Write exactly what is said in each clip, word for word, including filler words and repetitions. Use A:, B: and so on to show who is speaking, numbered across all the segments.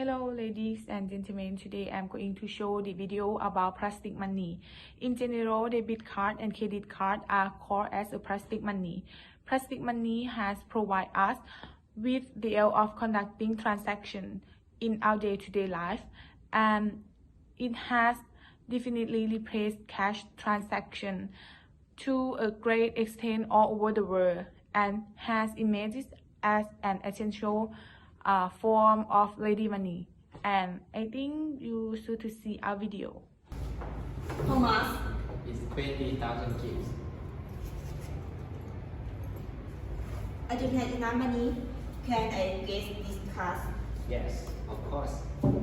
A: Hello ladies and gentlemen, today I'm going to show the video about plastic money. In general, debit card and credit card are called as a plastic money. Plastic money has provided us with the way of conducting transactions in our day-to-day life, and it has definitely replaced cash transaction to a great extent all over the world and has emerged as an essential uh, form of ready money. And I think you should to see our video.
B: How much?
C: It's twenty thousand kids.
B: I don't have enough money. Can I get this card?
C: Yes, of course.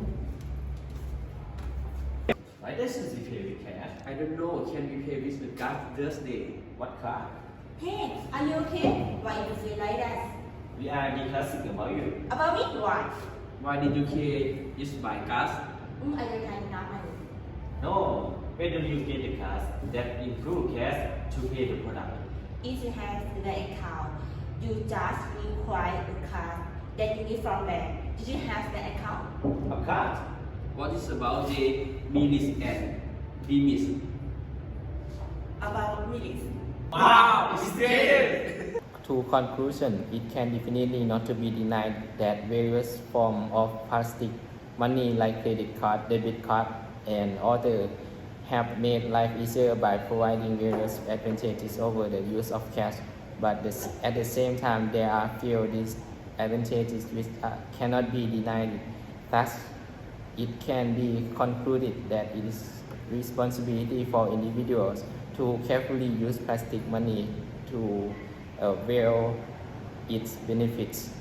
D: Why doesn't he pay with cash?
C: I don't know. Can we pay with the card Thursday?
D: What card?
B: Hey, are you okay? Why you feel like that?
D: We are discussing about you.
B: About me? Why?
C: Why did you pay just by card?
B: Mm, I don't have enough money.
D: No, when do you get the cards that include cash to pay the product?
B: If you have the account, you just require a card that you get from bank. Did you have the account?
D: A card?
C: What is about the minutes and limits?
B: About minutes.
D: Wow, it's dead!
E: To conclusion, it can definitely not to be denied that various forms of plastic money like credit card, debit card, and other have made life easier by providing various advantages over the use of cash. But this, at the same time, there are few disadvantages which uh, cannot be denied. Thus, it can be concluded that it is responsibility for individuals to carefully use plastic money to avail its benefits.